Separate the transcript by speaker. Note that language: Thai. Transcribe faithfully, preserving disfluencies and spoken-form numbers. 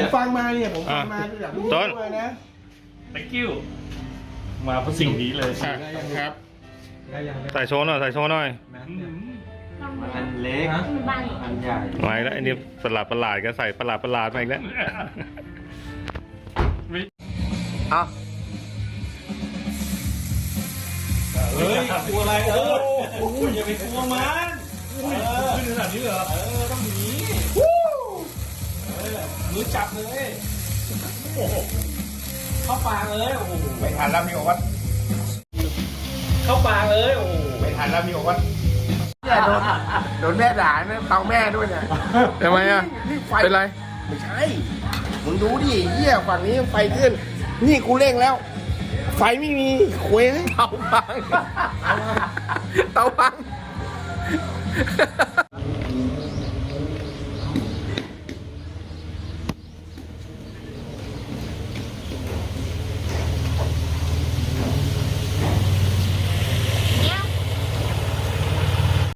Speaker 1: ฟังมาเนี่ยผมฟังมาคืออยากรู้ด้วยนะ
Speaker 2: thank you มาเพราะสิ่งนี้เลย
Speaker 1: ครับ
Speaker 3: ใส่โชว์หน่อยใส่โชว์หน่อย
Speaker 4: อันเล็กอันใหญ่
Speaker 3: มาอีกแล้วไอ้นี่ประหลาดประหลาดก็ใส่ประหลาดประหลาดมาอีกแล้วเอา
Speaker 2: เฮ้ยกลัวอะไรเออโอ้ยอย่าไปกลัวมันขึ้นขนาดนี้เหรอเออต้องหนีมือจับเลยโอ้โหเข้าปากเลยโอ้โห
Speaker 1: ไม่ทันแล้วพี่บอกว่า
Speaker 2: เข้าปากเลยโอ้โห
Speaker 1: ไม่ทันแล้วพี่บอกว่าเนี่ยโดนโดนแม่ด่าเนี่ยเตาแม่ด้วยเนี่ย
Speaker 3: ทำไมอ่ะ
Speaker 1: นี่ไฟ
Speaker 3: เป็นไร
Speaker 1: ไม่ใช่มึงดูดิเหี้ยฝั่งนี้ไฟขึ้น นี่กูเร่งแล้ว ไฟไม่มีคุยให้
Speaker 3: เตาพังเตาพัง